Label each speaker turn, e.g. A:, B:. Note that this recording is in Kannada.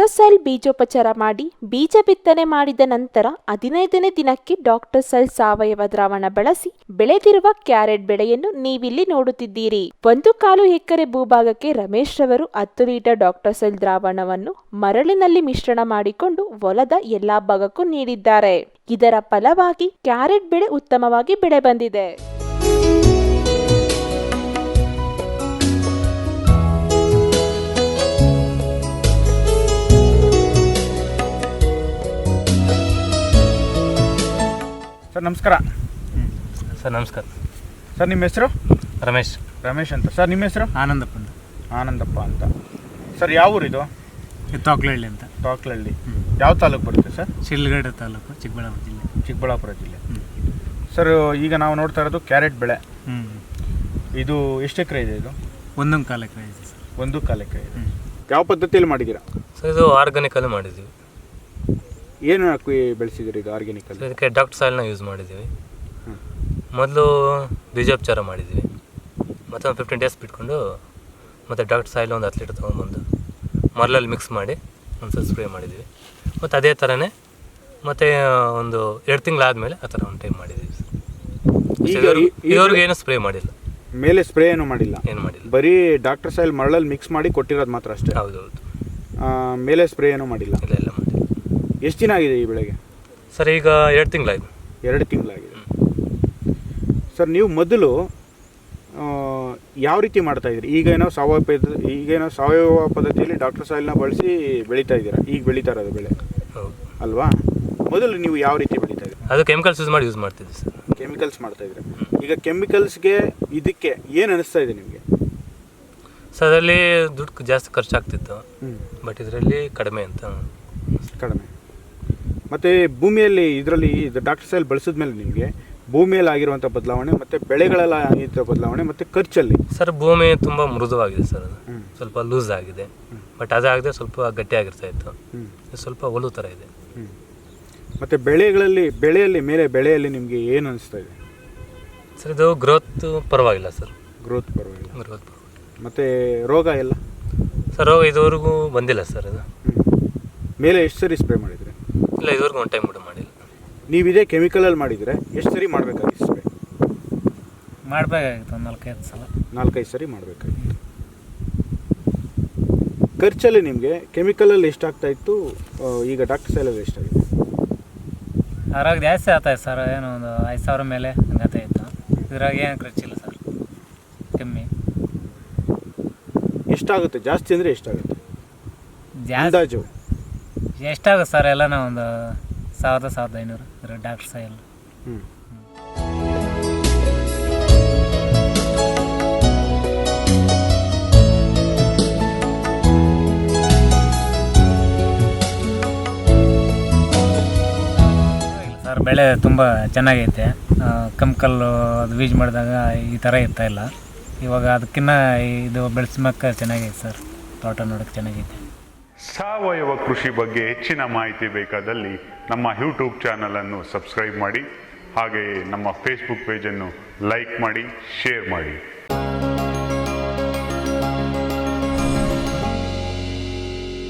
A: ಡಾಕ್ಟರ್ ಸೈಲ್ ಬೀಜೋಪಚಾರ ಮಾಡಿ ಬೀಜ ಬಿತ್ತನೆ ಮಾಡಿದ ನಂತರ 15ನೇ ದಿನಕ್ಕೆ ಡಾಕ್ಟರ್ ಸೈಲ್ ಸಾವಯವ ದ್ರಾವಣ ಬಳಸಿ ಬೆಳೆದಿರುವ ಕ್ಯಾರೆಟ್ ಬೆಳೆಯನ್ನು ನೀವಿಲ್ಲಿ ನೋಡುತ್ತಿದ್ದೀರಿ. 1.25 ಎಕರೆ ಭೂಭಾಗಕ್ಕೆ ರಮೇಶ್ ರವರು 10 ಲೀಟರ್ ಡಾಕ್ಟರ್ ಸೈಲ್ ದ್ರಾವಣವನ್ನು ಮರಳಿನಲ್ಲಿ ಮಿಶ್ರಣ ಮಾಡಿಕೊಂಡು ಹೊಲದ ಎಲ್ಲಾ ಭಾಗಕ್ಕೂ ನೀಡಿದ್ದಾರೆ. ಇದರ ಫಲವಾಗಿ ಕ್ಯಾರೆಟ್ ಬೆಳೆ ಉತ್ತಮವಾಗಿ ಬೆಳೆ ಬಂದಿದೆ.
B: ಸರ್ ನಮಸ್ಕಾರ.
C: ಸರ್ ನಮಸ್ಕಾರ.
B: ಸರ್ ನಿಮ್ಮ ಹೆಸರು?
C: ರಮೇಶ್
B: ಅಂತ. ಸರ್ ನಿಮ್ಮ ಹೆಸರು? ಆನಂದಪ್ಪ ಅಂತ. ಸರ್ ಯಾವ ಊರಿದು?
D: ತೋಕ್ಲಹಳ್ಳಿ ಅಂತ.
B: ತೋಕ್ಲಹಳ್ಳಿ ಯಾವ ತಾಲೂಕು ಬರುತ್ತೆ ಸರ್?
D: ಶಿಡ್ಲಘಟ್ಟ ತಾಲೂಕು, ಚಿಕ್ಕಬಳ್ಳಾಪುರ ಜಿಲ್ಲೆ.
B: ಸರ್ ಈಗ ನಾವು ನೋಡ್ತಾ ಇರೋದು ಕ್ಯಾರೆಟ್ ಬೆಳೆ. ಇದು ಎಷ್ಟು ಎಕರೆ ಇದೆ? ಇದು
D: 1.25 ಎಕರೆ ಇದೆ ಸರ್.
B: 1.25 ಎಕರೆ ಇದೆ. ಯಾವ ಪದ್ಧತಿಯಲ್ಲಿ ಮಾಡಿದ್ದೀರಾ
C: ಸರ್? ಇದು ಆರ್ಗಾನಿಕಲ್ಲಿ ಮಾಡಿದ್ದೀವಿ.
B: ಏನು ಹಾಕಿ ಬೆಳೆಸಿದ್ದೀರಿ ಇದು ಆರ್ಗ್ಯಾನಿಕಲ್ಲಿ?
C: ಇದಕ್ಕೆ ಡಾಕ್ಟರ್ ಸಾಯಿಲ್ನ ಯೂಸ್ ಮಾಡಿದ್ದೀವಿ. ಮೊದಲು ಬೀಜೋಪಚಾರ ಮಾಡಿದ್ದೀವಿ, ಮತ್ತು ಒಂದು 15 ಡೇಸ್ ಬಿಟ್ಕೊಂಡು ಮತ್ತು ಡಾಕ್ಟರ್ ಸಾಯಿಲ್ ಒಂದು 10 ಲೀಟರ್ ತೊಗೊಂಡ್ಬಂದು ಮರಳಲ್ಲಿ ಮಿಕ್ಸ್ ಮಾಡಿ ಒಂದು ಸ್ಪ್ರೇ ಮಾಡಿದ್ದೀವಿ. ಮತ್ತು ಅದೇ ಥರನೇ ಮತ್ತು ಒಂದು 2 ತಿಂಗಳಾದಮೇಲೆ ಆ ಥರ ಒಂದು ಟೈಮ್ ಮಾಡಿದ್ದೀವಿ. ಇದುವರೆಗೂ ಏನೂ ಸ್ಪ್ರೇ ಮಾಡಿಲ್ಲ.
B: ಮೇಲೆ ಸ್ಪ್ರೇ ಏನು ಮಾಡಿಲ್ಲ?
C: ಏನು ಮಾಡಿಲ್ಲ,
B: ಬರೀ ಡಾಕ್ಟರ್ ಸಾಯಿಲ್ ಮರಳಲ್ಲಿ ಮಿಕ್ಸ್ ಮಾಡಿ ಕೊಟ್ಟಿರೋದು ಮಾತ್ರ ಅಷ್ಟೇ?
C: ಹೌದೌದು.
B: ಮೇಲೆ ಸ್ಪ್ರೇ ಏನೂ ಮಾಡಿಲ್ಲ?
C: ಇಲ್ಲ ಮಾಡಿಲ್ಲ.
B: ಎಷ್ಟು ದಿನ ಆಗಿದೆ ಈ ಬೆಳೆಗೆ?
C: ಸರ್ ಈಗ 2 ತಿಂಗಳಾಯಿತು.
B: 2 ತಿಂಗಳಾಗಿದೆ. ಸರ್ ನೀವು ಮೊದಲು ಯಾವ ರೀತಿ ಮಾಡ್ತಾಯಿದ್ರಿ? ಈಗೇನೋ ಸಾವಯವ ಪದ್ಧತಿಯಲ್ಲಿ ಡಾಕ್ಟರ್ ಸಾಯಿಲ್ನ ಬಳಸಿ ಬೆಳೀತಾ ಇದ್ದೀರಾ, ಈಗ ಬೆಳೀತಾ ಇರೋದು ಬೆಳೆ ಅಲ್ವಾ? ಮೊದಲು ನೀವು ಯಾವ ರೀತಿ ಬೆಳೀತಾ ಇದ್ದೀರಿ?
C: ಅದು ಕೆಮಿಕಲ್ಸ್ ಯೂಸ್ ಮಾಡ್ತಿದ್ದೆ ಸರ್.
B: ಕೆಮಿಕಲ್ಸ್ ಮಾಡ್ತಾಯಿದ್ರೆ ಈಗ ಕೆಮಿಕಲ್ಸ್ಗೆ ಇದಕ್ಕೆ ಏನು ಅನಿಸ್ತಾ ಇದೆ ನಿಮಗೆ?
C: ಸರ್ ಅದರಲ್ಲಿ ದುಡ್ಡು ಜಾಸ್ತಿ ಖರ್ಚಾಗ್ತಿತ್ತು, ಬಟ್ ಇದರಲ್ಲಿ ಕಡಿಮೆ ಅಂತ.
B: ಕಡಿಮೆ. ಮತ್ತು ಭೂಮಿಯಲ್ಲಿ ಇದರಲ್ಲಿ ಡಾಕ್ಟರ್ ಸಾಯಿಲ್ ಬಳಸಿದ್ಮೇಲೆ ನಿಮಗೆ ಭೂಮಿಯಲ್ಲಿ ಆಗಿರುವಂಥ ಬದಲಾವಣೆ ಮತ್ತು ಬೆಳೆಗಳೆಲ್ಲ ಆಗಿರೋ ಬದಲಾವಣೆ ಮತ್ತು ಖರ್ಚಲ್ಲಿ?
C: ಸರ್ ಭೂಮಿ ತುಂಬ ಮೃದುವಾಗಿದೆ ಸರ್, ಅದು ಸ್ವಲ್ಪ ಲೂಸ್ ಆಗಿದೆ. ಬಟ್ ಅದಾಗದೆ ಸ್ವಲ್ಪ ಗಟ್ಟಿಯಾಗಿರ್ತಾ ಇತ್ತು, ಸ್ವಲ್ಪ ಒಲು ಥರ ಇದೆ.
B: ಮತ್ತು ಬೆಳೆಯಲ್ಲಿ ನಿಮಗೆ ಏನು ಅನಿಸ್ತಾ ಇದೆ
C: ಸರ್? ಇದು ಗ್ರೋತ್ ಪರವಾಗಿಲ್ಲ ಸರ್.
B: ಗ್ರೋತ್ ಪರವಾಗಿಲ್ಲ. ಮತ್ತು ರೋಗ ಎಲ್ಲ?
C: ಸರ್ ರೋಗ ಇದುವರೆಗೂ ಬಂದಿಲ್ಲ ಸರ್. ಅದು
B: ಮೇಲೆ ಎಷ್ಟು ಸರಿ ಸ್ಪ್ರೇ ಮಾಡಿದರೆ?
C: ಇಲ್ಲ, ಇದುವರೆಗೂ ಒಂದು ಟೈಮ್ ಕೂಡ ಮಾಡಿಲ್ಲ.
B: ನೀವು ಇದೇ ಕೆಮಿಕಲಲ್ಲಿ ಮಾಡಿದರೆ ಎಷ್ಟು ಸರಿ ಮಾಡಬೇಕಾಗಿತ್ತು ಸ್ಪ್ರೇ?
D: ಮಾಡಬೇಕಾಗಿತ್ತು ಒಂದು 4-5 ಸಲ.
B: 4-5 ಸರಿ ಮಾಡಬೇಕಾಗಿತ್ತು. ಖರ್ಚಲ್ಲಿ ನಿಮಗೆ ಕೆಮಿಕಲಲ್ಲಿ ಎಷ್ಟಾಗ್ತಾಯಿತ್ತು, ಈಗ ಡಾಕ್ಟರ್ ಸಾಯಿಲಲ್ಲಿ ಎಷ್ಟಾಗಿದೆ?
D: ಅದ್ರಾಗ ಜಾಸ್ತಿ ಆಗ್ತಾಯಿತ್ತು ಸರ್, ಏನೋ ಒಂದು 5,000 ಮೇಲೆ ಹಂಗಾಗ್ತಾಯಿತ್ತು. ಇದ್ರಾಗ ಏನು ಖರ್ಚಿಲ್ಲ ಸರ್, ಕಮ್ಮಿ.
B: ಎಷ್ಟಾಗುತ್ತೆ? ಜಾಸ್ತಿ ಅಂದರೆ ಎಷ್ಟಾಗುತ್ತೆ ಅಂದಾಜು?
D: ಎಷ್ಟಾಗುತ್ತೆ ಸರ್? ಎಲ್ಲನೂ ಒಂದು 1,000-1,500 ಡಾಕ್ಟರ್ ಸಾಯಿಲ್. ಸರ್ ಬೆಳೆ ತುಂಬ ಚೆನ್ನಾಗೈತೆ. ಕೆಮಿಕಲ್ಲು ಅದು ಯೂಸ್ ಮಾಡಿದಾಗ ಈ ಥರ ಇರ್ತಾಯಿಲ್ಲ. ಇವಾಗ ಅದಕ್ಕಿಂತ ಇದು ಬೆಳೆಸ್ಮಕ್ಕೆ ಚೆನ್ನಾಗೈತೆ ಸರ್. ತೋಟ ನೋಡೋಕ್ಕೆ ಚೆನ್ನಾಗೈತೆ.
E: ಸಾವಯವ ಕೃಷಿ ಬಗ್ಗೆ ಹೆಚ್ಚಿನ ಮಾಹಿತಿ ಬೇಕಾದಲ್ಲಿ ನಮ್ಮ ಯೂಟ್ಯೂಬ್ ಚಾನಲನ್ನು ಸಬ್ಸ್ಕ್ರೈಬ್ ಮಾಡಿ, ಹಾಗೆಯೇ ನಮ್ಮ ಫೇಸ್ಬುಕ್ ಪೇಜನ್ನು ಲೈಕ್ ಮಾಡಿ, ಶೇರ್ ಮಾಡಿ.